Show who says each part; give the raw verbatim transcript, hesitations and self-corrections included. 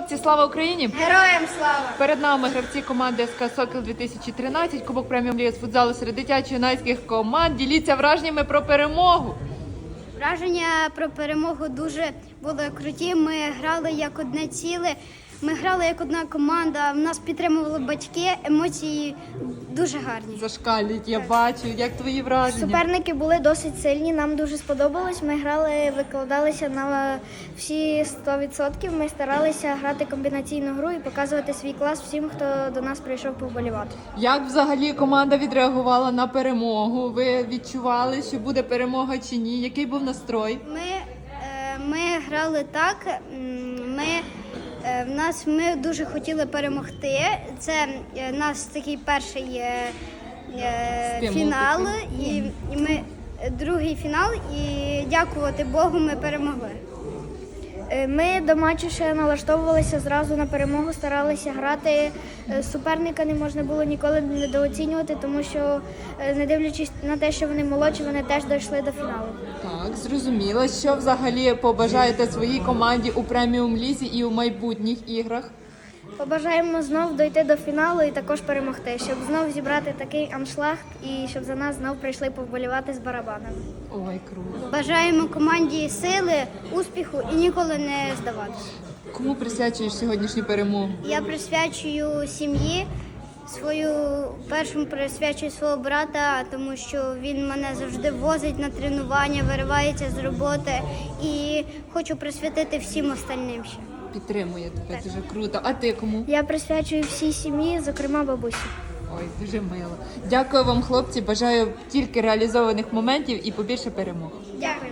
Speaker 1: Хлопці, слава Україні!
Speaker 2: Героям слава!
Speaker 1: Перед нами гравці команди СК «Сокіл дві тисячі тринадцять», Кубок преміум ліги з футзалу серед дитячо-юнацьких команд. Діліться враженнями про перемогу.
Speaker 2: Враження про перемогу дуже були круті. Ми грали як одне ціле. Ми грали як одна команда. Нас підтримували батьки. Емоції дуже гарні.
Speaker 1: Зашкалюють, я бачу. Як твої враження?
Speaker 3: Суперники були досить сильні, нам дуже сподобалось. Ми грали, викладалися на всі сто відсотків. Ми старалися грати комбінаційну гру і показувати свій клас всім, хто до нас прийшов повболівати.
Speaker 1: Як взагалі команда відреагувала на перемогу? Ви відчували, що буде перемога чи ні? Який був настрой?
Speaker 2: Ми, е, ми грали так. м, Ми е, в нас ми дуже хотіли перемогти. Це е, наш такий перший е, е,
Speaker 1: Стимул
Speaker 2: фінал,
Speaker 1: такий.
Speaker 2: і, і ми е, другий фінал. І дякувати Богу, ми перемогли.
Speaker 3: Е, Ми до матчу ще налаштовувалися зразу на перемогу, старалися грати. Е, Суперника не можна було ніколи недооцінювати, тому що, е, не дивлячись на те, що вони молодші, вони теж дійшли до фіналу.
Speaker 1: Так, зрозуміло. Що взагалі побажаєте своїй команді у преміум лізі і у майбутніх іграх?
Speaker 3: Побажаємо знов дойти до фіналу і також перемогти, щоб знов зібрати такий аншлаг і щоб за нас знов прийшли повболівати з барабанами.
Speaker 1: Ой, круто.
Speaker 2: Бажаємо команді сили, успіху і ніколи не здаватися.
Speaker 1: Кому присвячуєш сьогоднішню перемогу?
Speaker 2: Я присвячую сім'ї, свою першому присвячую свого брата, тому що він мене завжди возить на тренування, виривається з роботи, і хочу присвятити всім остальним ще.
Speaker 1: Підтримує тебе, дуже круто. А ти кому?
Speaker 3: Я присвячую всій сім'ї, зокрема бабусі.
Speaker 1: Ой, дуже мило. Дякую вам, хлопці. Бажаю тільки реалізованих моментів і побільше перемог.
Speaker 2: Дякую.